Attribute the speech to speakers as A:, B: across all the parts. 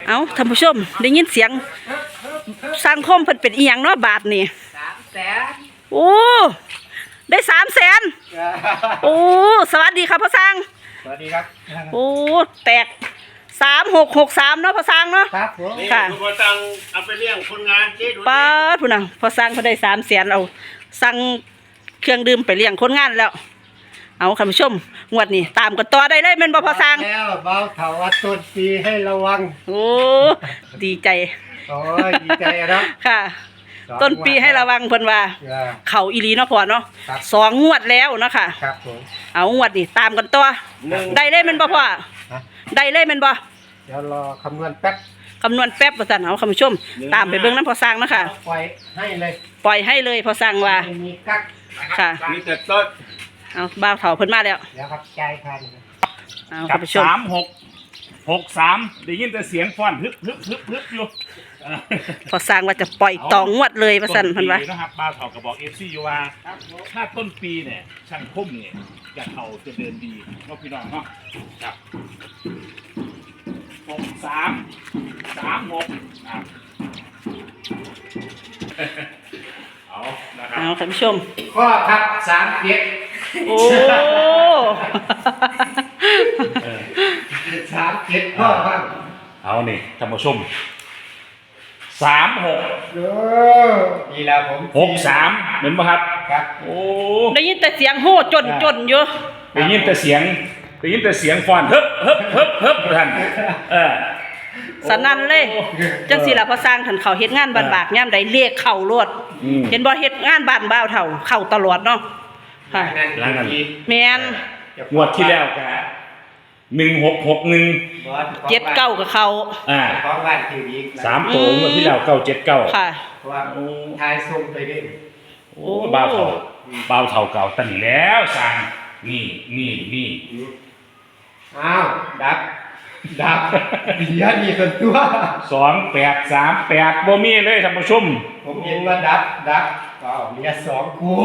A: เอาท่านผู้ชมได้ยินเสียงสังคมเพิ่นเป็นอีหยังเนาะบาทนี่
B: 300,000
A: โอ้ได้300,000โอ้สวัสดีครับพ่อสร้าง
B: สวัสดีครับ
A: โอ้แตก3663เนาะพ่อสร้างเนาะ
B: ครับผม
A: ค่ะ
C: พ่อสร้างเอาไปเลี้ยงคนงานเจ๊ดู
A: ป้าพุ่นน่ะพ่อสร้างเพิ่นได้300,000เอาสั่งเครื่องดื่มไปเลี้ยงคนงานแล้วเอาท่านผู้ชมงวดนี้ตามกันต่อได้เลยแม่นบ่พ่อสร้าง
B: แล้วเบาเถาวัดต้นปีให้ระวัง
A: โอ้ดีใจ
B: โอ้ยดีใจครับ
A: ค่ะต้นปีให้ระวังเพิ่นว่าเขาอีหลีเนาะพ่อเนาะ2 งวดแล้วเนาะค่ะ
B: ครับผม
A: เอางวดนี้ตามกันต่อได้เลยแม่นบ่พ่อได้เลยแม่นบ่
B: เดี๋ยวรอคำนวณแป๊บ
A: คำนวณแป๊บว่าซั่นเอาคุณผู้ชมตามไปเบิ่งนำพ่อสร้างเนาะค่ะ
B: ปล่อยให้เลย
A: ปล่อยให้เลยพ่อสร้างว่า
B: มีกัก
A: ค่ะ
C: มีแต่ต้น
A: เอาบ่าวเฒ่าเพิ่นมาแล้ว
B: เดี๋ยวครับใจทัน
A: เอาคุณผู้ชม
C: 3663ได้ยินแต่เสียงฟ้อนฮึบอยู่
A: พ่อสร้างว่าจะปล่อยต่องวดเลยว่าซั่นเพิ่นว่า
C: นะครับบ้านเขาก็บอก FC อยู่ว่าถ้าต้นปีเนี่ยช่างคมเนี่ยจะเขาจะเดินดีเนาะพี่น้องเนาะครับ6336ครับเอานะครับ
A: เอาท่านผู้ชม
B: ข้อครับ37
A: โอ้
B: 37ข้อครับ
C: เอานี่ท่านผู้ชม36
B: นี่แล้วผม
C: 63เหมือนป่ะครับ
B: ครับ
C: โอ้
A: ได้ยินแต่เสียงโห่จนอยู่
C: ได้ยินแต่เสียงฟ้อนฮึบท่าน
A: สนั่นเลยจังสิล่ะพอสร้างท่านเขาเฮ็ดงานบ้านบากยามใดเลขเข้าโลดเห็นบ่เฮ็ดงานบ้านบ่าวเฒ่าเข้าตลอดเนาะค่ะ
C: หลังกัน
A: แม่น
C: งวดที่แล้วก็1661
A: 79ก็เข้า
B: ของบ้านทีวี
C: 3ตัวงวดที่แล้ว979
A: ค่ะ
B: ว่าทายส่งไปเด้
C: โอ้บ่าวเฒ่าเก่าตั้งแล้วสั่งนี่
B: อ้าวดับเดี๋ยวมีคนตัว
C: 2838บ่มีเลยท่านผู้ชม
B: ผมเห็นว่าดับว้าวมี2คู่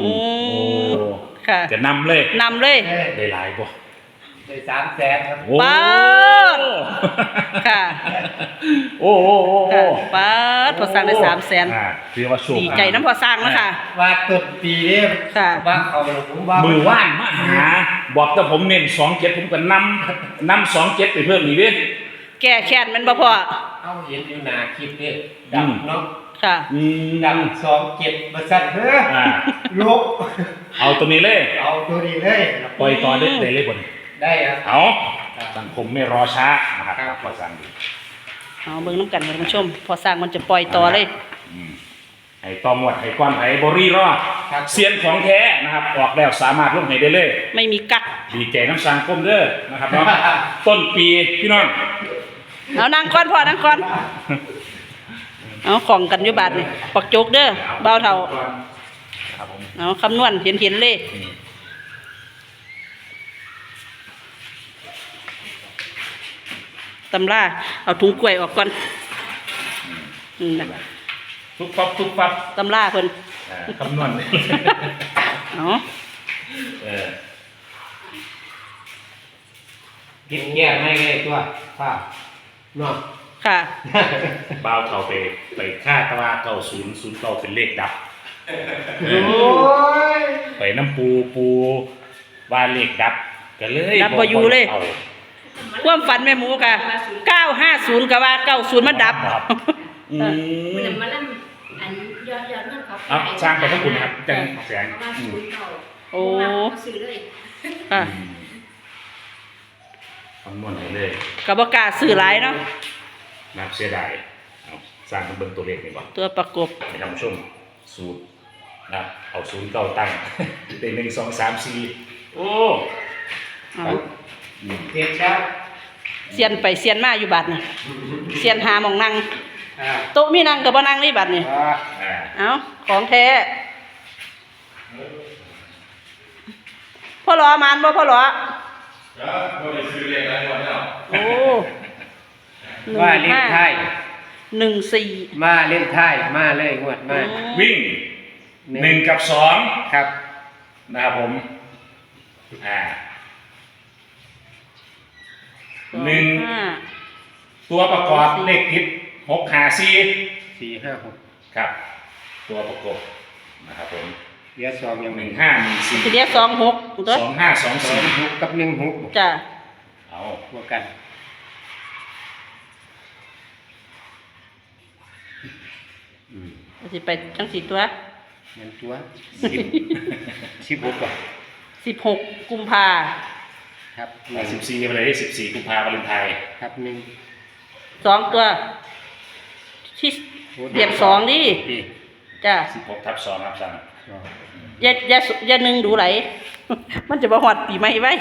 A: ค่ะ
C: จะนำเลยได้หลายบ่
B: ได้300,000ครับ
A: ป๊าดค่ะ
C: โอ้
A: ป๊าดพอสร้างได้300,000
C: ถือว่าโชค
A: ดีใจน้ำพอสร้างแล้วค่ะ
B: ว่าต้นปีนี้
A: ค่ะ
B: ว่าเขาผมว่า
C: มือว่านมาหาบอกแต่ผมเน้น27ผมก็นำ27ไปเพิ่มอีกเด้
A: แก้แค้นมันบ่พอ
B: เอาเห็นอยู่หน้าคลิปนี่ดับเนาะ
A: ค่ะ
B: ดับ27บ่ซั่นเด้อลูก
C: เอาตัวนี้เลยปล่อยต่อได้เลยบ่
B: ได้ครับ
C: เอาสังคมไม่รอช้านะครับพอสร้าง
A: เอาเบิ่งน้ำกันท่านผู้ชมพอสร้างมันจะปล่อยต่อเลย
C: ไอ้ตอมวดไอ้ความไอ้บริรอดเซียนของแท้นะครับออกแล้วสามารถลงให้ได้เลย
A: ไม่มีกัก
C: ดีใจน้ำสังคมเด้อนะครับเนาะต้นปีพี่น้อง
A: เอานั่งก่อนพอนั่งก่อนเอาของกันอยู่บาทนี่ปักโจกเด้อเบาเท่าเอาคำนวณเห็นเลยตำราเอาถุงกล้วยออกก่อน
C: ทุกปั๊บ
A: ตำราเพิ่น
C: คำนวณ
A: เอา
B: กินแก้ไม่ไงตัวค่ะเนาะ
A: ค่ะ
C: บ่าวเขาไปค่าตะวา9009เป็นเลขดับไปน้ำปูว่าเลขดับก็เลย
A: ดับบ่อยู่เลยความฝันแม่หมูกะ950ก็ว่า90มันดับ
D: มันมาแล้วอันยอดเงินเขา
C: สร้างไปทั้งคุณครับจังแสง
A: โอ้
D: ซื้อเลย
C: คำนวณให้เลย
A: ก็บ่กล้าซื้อหลายเนาะ
C: นับเสียดายสร้างเบิ่งตัวเลขนี่บ่
A: ตัวประกบ
C: ให้ท่านผู้ชมสูตรนะเอา09ตั้งได้1 2 3 4โอ้
B: เก็บแล้ว
A: เซียนไปเซียนมาอยู่บัดน่ะเซียนหาหม่องนั่งโต๊ะมีนั่งก็บ่นั่งนี่บัดนี่เอาของแท้พ่อหลอมานบ่พ่อหลอโอ้
B: ว่าเล่นไทย
A: 14
B: มาเล่นไทยมาเลยงวดมา
C: วิ่ง1 กับ 2
B: ครับ
C: นะครับผม1 ตัวประกอบเลขติด654
B: 456
C: ครับ ตัวประกอบนะครับผม
B: เหลือ2ยัง
C: 1514
A: ทีเดียว26ตัว
C: 2524
B: 6กับ16
A: จ้ะ
C: เอา
B: บวกกัน
A: สิไปจังสี่ตัว
B: เงินตัว16ก่อน
A: 16 กุมภา
B: ครับ
C: 14ไปเลยได้14กุมภาพันธ์วาเลนไทน์
B: ครับ
A: 2ตัวที่เรียบ2ดิจ้ะ
C: 16/2ครับสั่ง
A: อย่านึงดูไหล มันจะบ่ฮอดปีใหม่ไว้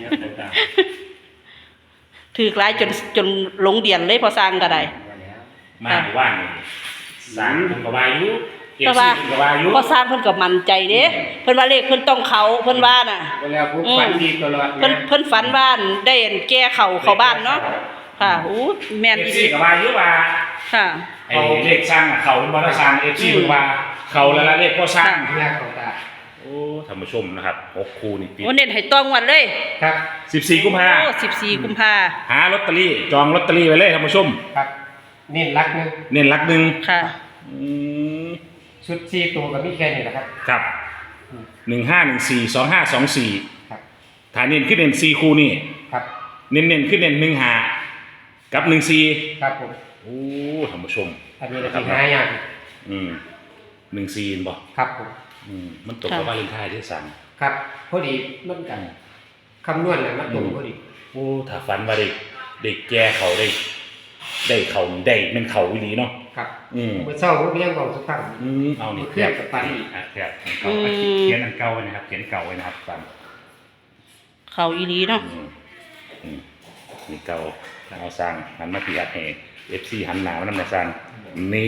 A: ถือกหลายจนหลงเดียนเลยพอสร้างก็ได้
C: มาหมู่บ้านนี่สร้างคุณกวายุเอฟ
A: แต่
C: ซี
A: ว่า
C: คุณกวายุ
A: พอสร้างเพิ่นก็มั่นใจเด้เพิ่นว่าเลขเพิ่นต้องเขาเพิ่นว่าน่ะ
B: เวลาผู้ฝันดีตลอด
A: เพิ่นฝันบ้านได้อันแก้เข้าบ้านเนาะค่ะอู้แม่น
C: เอฟ
A: อีห
C: ซี
A: ลี
C: กวายุว่า
A: ค่ะ
C: ไอ้เลขสร้างอะเขาเป็นบอลสร้างเอฟซีคุณว่าเขาแล้วละเลขพ่อสร้าง
B: หน้าของตา
C: โอ้ท่านผู้ชมนะครับ6คู่นี่ติด
A: โอ้เน้นให้ต้องวันเลย
B: ครับ
C: 14กุมภา
A: โอ้14 กุมภา
C: หาลอตเตอรี่จองลอตเตอรี่ไว้เลยท่านผู้ชม
B: ครับนี่รักนึง
C: เน้นหลักหนึ่ง
A: ค่ะ
C: อืม
B: ชุด4ตัวก็มีแค่นี้แหละครับ
C: ครับ1514 2524
B: ครับ
C: ฐานเน้นขึ้นเน้น4คู่นี่
B: ครับ
C: เน้นขึ้นเน้น15กับ14
B: ครับผม
C: โอ้ท่านผู้ชม
B: อันนี้เราที่หายาก
C: 14บ่
B: ครับผม
C: มันตกกับวาเลนไทน์ที่สั่ง
B: ครับพอดีมันกันคำนวณน่ะมันตรงพอดี
C: โอ้ถ้าฝันว่าได้แก้เขาได้เขาได้เป็นเขาวิลีเนาะ
B: ครับ
C: อืม
B: เมื่อเช้าผมยังบอกสักครั้ง
C: เอานี่
B: เครียดกับฝันอีก
C: เครียดเก่าเขียนอันเก่าไว้นะครับเขียนเก่าไว้นะครับฝัน
A: เขาอีหลีเนาะ
C: นี่เก่าเอาสร้างหันมาที่อัดให้ FC หันหน้ามานํสร้างนี่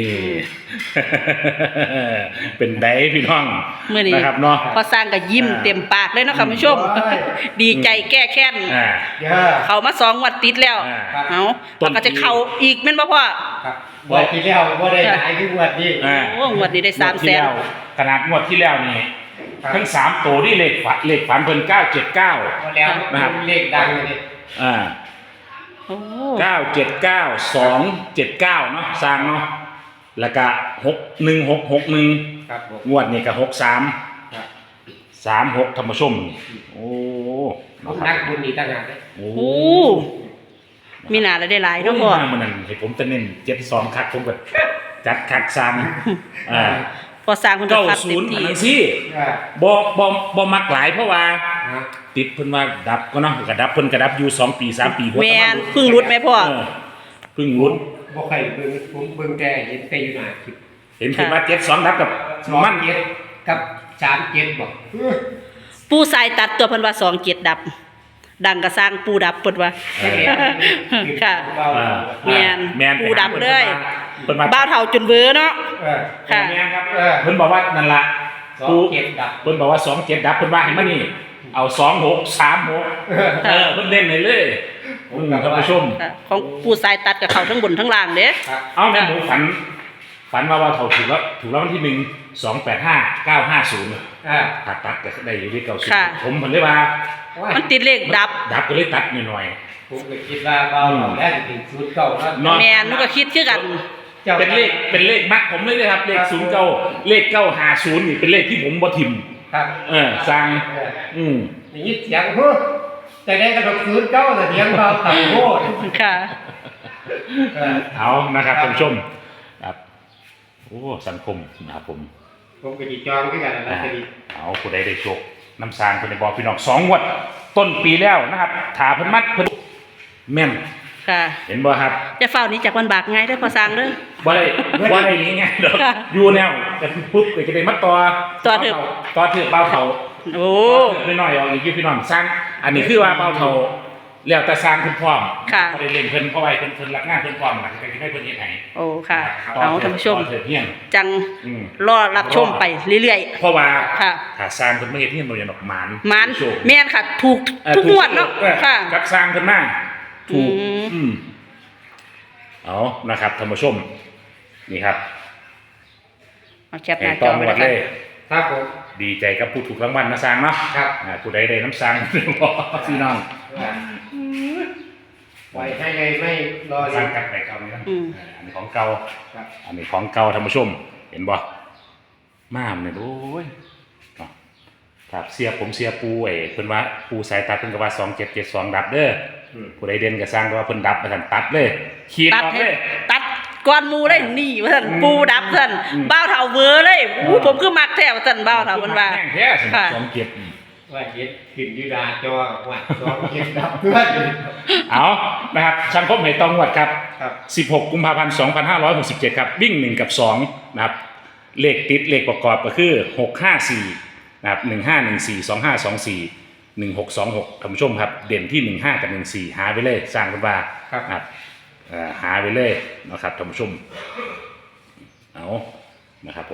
C: เป็นไดพี่น้อง
A: มื้อนี้
C: นะครับเนาะ
A: พอสร้างก็ยิ้มเต็มปากเลยเนาะค่ะผู้ชม ดีใจแก้แค้น
C: อ่า
B: เด้อ
A: เขามา2 งวดติดแล้ว
C: อ่า
A: เอา
C: ต้
A: แล้ว
C: น
A: ก็จะเข้าอีกแม่นบ่พ่อ
B: ครับวันที่แล้วบ่ได้หลายคืองวดนี้
C: อ่า
A: โอ้งวดนี้ได้
C: งวดที่แล้วขนาดงวดที่แล้วนี่
B: ครับ
C: ทั้ง3ตัวนี่เลขฝันเพิ่น979
B: พอแล้ว
C: นะครับ
B: เลขดังเลยนี่
C: อ่า
A: โอ้
C: 979279เนาะสร้างเนาะแล้วก็61661
B: ครับผม
C: งวดนี้ก็63
B: ครับ
C: 36ธรรมชมโอ้
B: ผมนักบุญนี่ต่างหากเลย
C: โอ้
A: โหมีหน้าแล้วได้หลาย
C: โอ้
A: เนาะพ่อ
C: มันนั่นให้ผมจะเน้น72คักผมก็จัดคักสร้างอ่า
A: พอสร้างเพิ่นก็คัดเต็ม
C: 90
A: ที่
C: อันนั้นสิ
B: อ่า
C: บ่มักหลายเพราะว่า
B: ฮะ
C: ติดเพิ่นว่าดับก็เนาะก็ดับเพิ่นก็ดับอยู่2ปี3ปี
A: แม่นเพิ่งรุดไหมพ่อ
C: เพิ่งรุด
B: บ่เคยเบิ่งผมเบิ่งแต่เห็นแต่อยู่หน้าคลิป
C: เห็นเพิ่นว่า72ดับกับ
B: มั
C: มัน น
B: เจ็ดกับ37บอก
A: ปูสายตัดตัวเพิ่นว่า27ดับ ดังก็สร้างปูดับเพิ่นว่า ค่ะ แม่น
C: แม่น
A: ปูดำเลย
C: เพิ่นว่า
A: บ้าวเฒ่าจนเบ้อเนาะ
B: เออ
A: ค่ะ
C: แม่นครับเพิ่นบอกว่านั่นล่ะ
B: 27ดับ
C: เพิ่นบอกว่า27ดับเพิ่นว่าให้มานี่เอา26 36เพิ่นเล่นให้เลยท่านผู้ชม
A: ค่ะของปูสายตัดกับเขาทั้งบนทั้งล่างเด้
B: ครับ
C: เอาแม่หมูฝันว่าเท่าถูกแล้ววันที่1 285 950
B: อ่า
C: ถ้าตัดก็ได้อยู่ที่
A: ค่ะ
C: 90ผมเพิ่นเลยว่า
A: มันติดเลขดับ
C: ดับก็เลยตัดหน่อย
B: ผมก็คิดว่าเบาแล้วถึงศูนย์เก่าแล้ว
C: ๆเนาะ
A: แม่นมันก็คิดคือกัน
C: เป็นเลขมักผมเลยนะครับเลข09เลข950นี่เป็นเลขที่ผมบ่ทิม
B: ครับ
C: สร้าง
B: นี่ยินเสียงเฮ้อแต่ได้กระดกศูนย์เก้าแต่เสียงเบาต่ำโคตร
A: ค่ะ
C: เอานะครับท่านผู้ชมครับโอ้สังคมนะครับผม
B: ผมก็ดีจองขึ้นกันแล้วจะดี
C: เอาผู้ใดได้โชคน้ำสร้างคนในบอกพี่น้อง2งวดต้นปีแล้วนะครับถาเพิ่นมัดเพิ่นแม่น
A: ค่ะ
C: เห็นบ่ครับ
A: จะเฝ้านี้จากวันบากไงเด้อพอสร้างเด้อ
C: บ่ได้นี้ไงเด้อ
A: ค่ะ
C: อยู่แนวแต่ปุ๊บก็จะได้มาต่อ
A: ต่อเถอะ
C: ต่อเถอะเบาเฒ่า
A: โอ้
C: หน่อยๆเอาอีกพี่น้องสร้างอันนี้คือว่าเบาเฒ่าแล้วแต่สร้างเพิ่นพร้อม
A: ค่ะ
C: บ่ได้เล่นเพิ่นเพราะว่าเพิ่นรักงานเพิ่นพร้อมน่ะก็สิให้เพิ่นเฮ็ดให้
A: โอ้ค่ะ
C: ต่
A: เอาท่านผู้ชม
C: ต่อเถอะเพียง
A: จัง
C: อืม
A: รอรับชมไปเรื่อย
C: เพราะว่า
A: ค่ะ
C: ถ้าสร้างเพิ่นไม่เฮ็ดเฮียนบ่อย่างดอกหมาน
A: ๆมัน
C: โชค
A: แม่นค่ะ ถูกทุกงวดเนาะค่ะ
C: กับสร้างเพิ่นมาถูก
A: อืม
C: เอานะครับท่านผู้ชมนี่ครับ
A: เอาแคปหน้าจ
C: ต้
A: อ
C: อง
A: ไป
C: หม
A: เล
C: ด
A: ย
C: เล
A: ค่ะ
C: ย
B: ครับผม
C: ดีใจกับผู้ถูกรางวัลนะสร้างเนาะ
B: ครับ
C: ผู้ใดได้น้ำสร้าง พี่น้อง
B: ไว้ให้ไงไม่รอ
C: ส
B: เล
C: ร้าง
B: ย
C: กันไปเก่านี่นะ
A: อืม
C: อันนี้ของเก่า
B: ครับ
C: อันนี้ของเก่าท่านผู้ชม เห็นบ่ม่ามเนี่ยโอ้ยเนาะครับเสียผมเสียปูเพิ่นว่าปูสายตัดเพิ่นก็ว่า2772ดับเด้อผู้ใดเด่นก็สร้างก็ว่าเพิ่นดับมาสั่นตัดเลยขีด
A: ตัด
C: ออก
A: ให้
C: เลย
A: ตัดก้อนหมูเลยนี่ว่าซั่นปูดับซั่นบ้าวเฒ่าเวอเลยอู้ผมคือมักแท้ว่าซั่นบ้าวเฒ่าเพิ่นว่า
C: แห้งแท้สิ
A: ค่ะ
C: สองเก็บ
B: ว่าเฮ็ดขึ้นอยูดาจอว่าจอเก็บดับด้วย
C: เอานะครับช่างคมให้ตองวดครับ
B: ครับ
C: 16 กุมภาพันธ์ 2567 ครับ วิ่ง 1 กับ 2 นะครับ เลขติด เลขประกอบก็คือ 654 นะครับ 1514 2524 1626ท่านผู้ชมครับ เด่นที่ 15 กับ 14 หาไปเลย สร้างเป็นว่า
B: ครับ
C: นะครับหาไปเลยนะครับท่านผู้ชม เอานะครับผม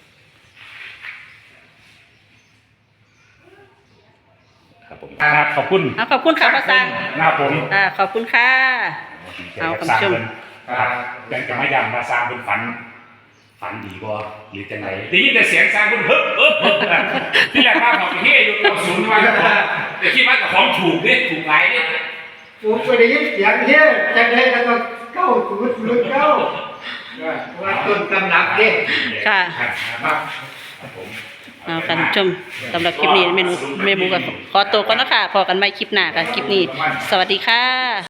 C: ครับผมครับขอบคุณ
A: ขอบคุณค่ะพ่อสร้าง
C: นะครับผม
A: ขอบคุณค่ะ เอาคุณผู้ชม
C: ครับยังจะไม่ย้ำมาสร้างเป็นฝันดีกว่าหรือจังไรได้ยินแต่เสียงสร้างเป็นเฮ้ที่แรกว่าของที่อยู่ตัวศูนย์ว่าแต่คิดว่ากับของถูกเนี่ยถูกไรเนี่ย
B: ผมไปได้ยินเสียงเฮ้ยจังได้ก็ต้องเก้าศูนย์ศูนย์เก้าว่าต้นตำรับเด้
A: ค่ะ
C: ครับผม
A: เอาค่ะท่านผู้ชมสำหรับคลิปนี้เมนูกับขอตัวก่อนนะคะพอกันใหม่คลิปหน้าค่ะคลิปนี้ สวัสดีค่ะ